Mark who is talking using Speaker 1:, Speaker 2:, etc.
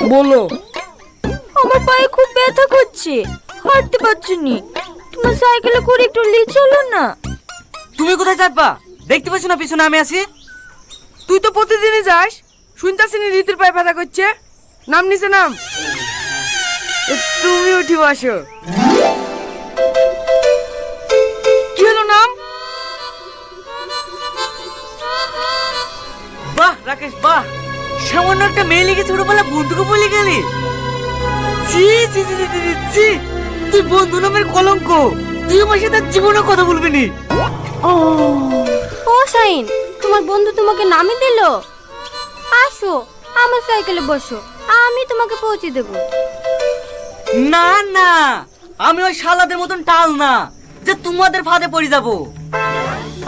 Speaker 1: বলো।
Speaker 2: আমার পায়ে খুব ব্যথা করছে, হাঁটতে পারছি নি। তোমার সাইকেলে করে একটু নিয়ে চলো না।
Speaker 3: তুমি কোথায় যাবা? দেখতে পাচ্ছ না পিছনে আমি আছি?
Speaker 1: তুই তো প্রতিদিনই যাস, শুনতাছি নি রীতির পায়ে ব্যথা করছে। নাম নিচে নাম। তুমি উঠি বসো। কি হলো নাম?
Speaker 3: বাহ রাকেশ বাহ, সামান্য একটা মেয়ে লিখে ছোটবেলা বন্ধুকে বলে গেলি। ছি ছি ছি ছি ছি, ছি, ছি। তুই বন্ধু নামের কলঙ্ক, তুই আমার সাথে জীবনে কথা বলবি নি।
Speaker 2: ও শাইন, তোমার বন্ধু তোমাকে নামই দিল। আসো আমার সাইকেলে বসো, আমি তোমাকে পৌঁছে দেবো।
Speaker 3: না না, আমি ওই শালাদের মতন টাল না যে তোমাদের ফাঁদে পড়ে যাবো।